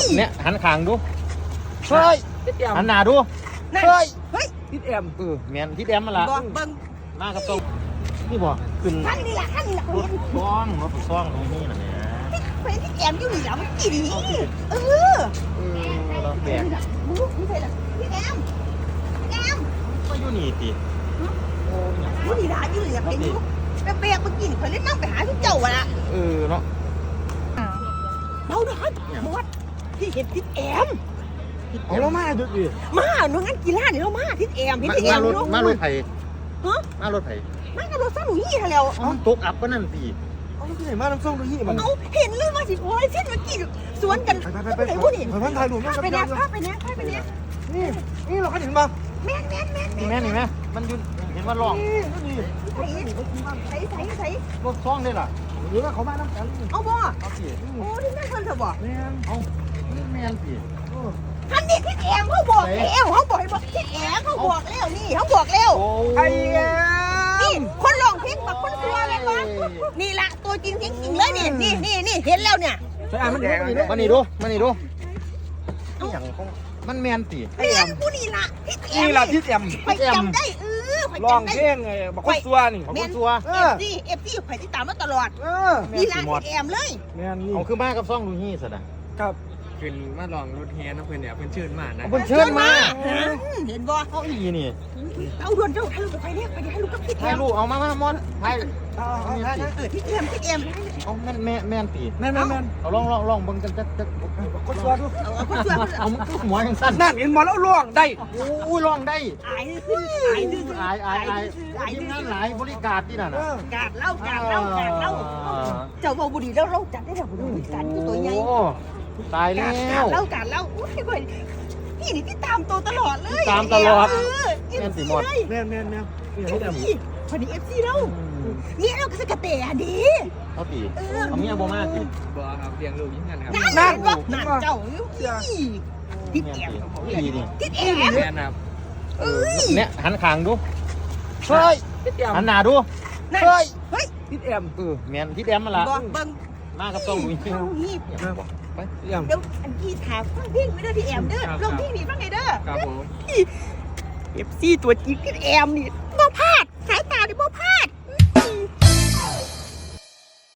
เนี่ยหันขางดูเฮ้ยหันหน้าดูเฮ้ยทิดแอมแมนทิดแอมมาละเบิ้งมากับตรงนี่บ่ขึ้นขั้นนี่แหละรถซ่องตรงนี้นะเนี่ยเป็นทิดแอมอยู่นี่แล้วมันกี่ดีเราแบกนี่ใช่ละทิดแอมก็อยู่นี่ติอยู่นี่ได้อยู่นี่เป็นอยู่แบกมากินคนเล่นนั่งไปหาทุกเจ้าอ่ะเนาะเราเนาะหมดที่เห็นทิดแอมเอาเรามาดูดิมาหนูงั้นกีฬาเนี่ยเรามาทิดแอมทิดแอมมารถไผ่ฮะมารถไผ่มากับรถซ่าหนูยี่แล้วตกอับก็นั่นตีเอาที่ไหนมาน้ำส้มดูยี่มันเอาเห็นเลยว่าสิโอ้ยเส้นเมื่อกี้สวนกันไปพูดนี่ไปพันถ่ายหนุ่มไปเนี่ยนี่เราก็เห็นมาแม่นี่แม่มันยืนเห็นว่าร้องใส่รถซ่องได้ล่ะหรือว่าเขามาน้ำกันเอาบ่โอ้ที่แม่คนเธอบอกแม่เอาแม่สิท่านนี่ทิดแอมเขาบอกแล้วเขาบอกให้บอกทิดแอมเขาบอกแล้วนี่เขาบอกแล้วไอ้นี่คนร้องเพลงแบบคนตัวเลยมั้งนี่ละตัวจริงเลยนี่เห็นแล้วเนี่ยใช่มันแดงมันนี่ดูอย่างมันแมนตีแม่ผู้นี่ละทิดแอมนี่ละทิดแอมไปจำได้ลองเพลงไงบอกคนตัวนี่คนตัวเอฟซีไปติดตามมาตลอดนี่ละทิดแอมเลยแม่นี่เอาคือมากับซ่องดูนี่สินะครับขึ้นมาลองรถแฮนะเพื่อนเนี่ยเพื่อนเชิญมานะเพื่อนเชิญมาเห็นบ่เขาอีนี่เอาด่วนเจ้าให้ลูกไปเนี่ยไปให้ลูกกับทิดแอมให้ลูกเอามามอนให้ทิดแอมเอาแม่นตีแม่เอาลองเบิ่งกันจะคนตัวดูเอาคนตัวเอามันหัวยังสั้นนั่นเห็นมาแล้วล่วงได้อุ้ยล่องได้อายทีมงานหลายบริการที่นั่นกาดเล่าเจ้าบ่บุรีแล้วเราจัดได้แล้วบุรีการตัวใหญ่ตายแล้วกาดเล่าอุ้ยพี่นี่ที่ตามตัวตลอดเลยตามตลอดแม่สีหมดแม่พอดีFCแล้วนี่เราก็สกัดเตะดีเขาตีเขามีบ่มากตีบ่ครับเลี้ยงลูกยิ่งกันครับนั่นเจ้าทิดแอมทิดแอมแม่ครับเนี่ยหันขางดูเฮ้ยหันหน้าดูเฮ้ยทิดแอมแมนทิดแอมมาละเบิ้งมากับต้องดูนี่ไปเดี๋ยวอันที่ถามฟังเพลงไม่ได้ที่แอมเด้อลงที่นี่ฟังไงเด้อครับผม FC ตัวจริงทิดแอมนี่บ่พลาดสายตานี่บ่พลาด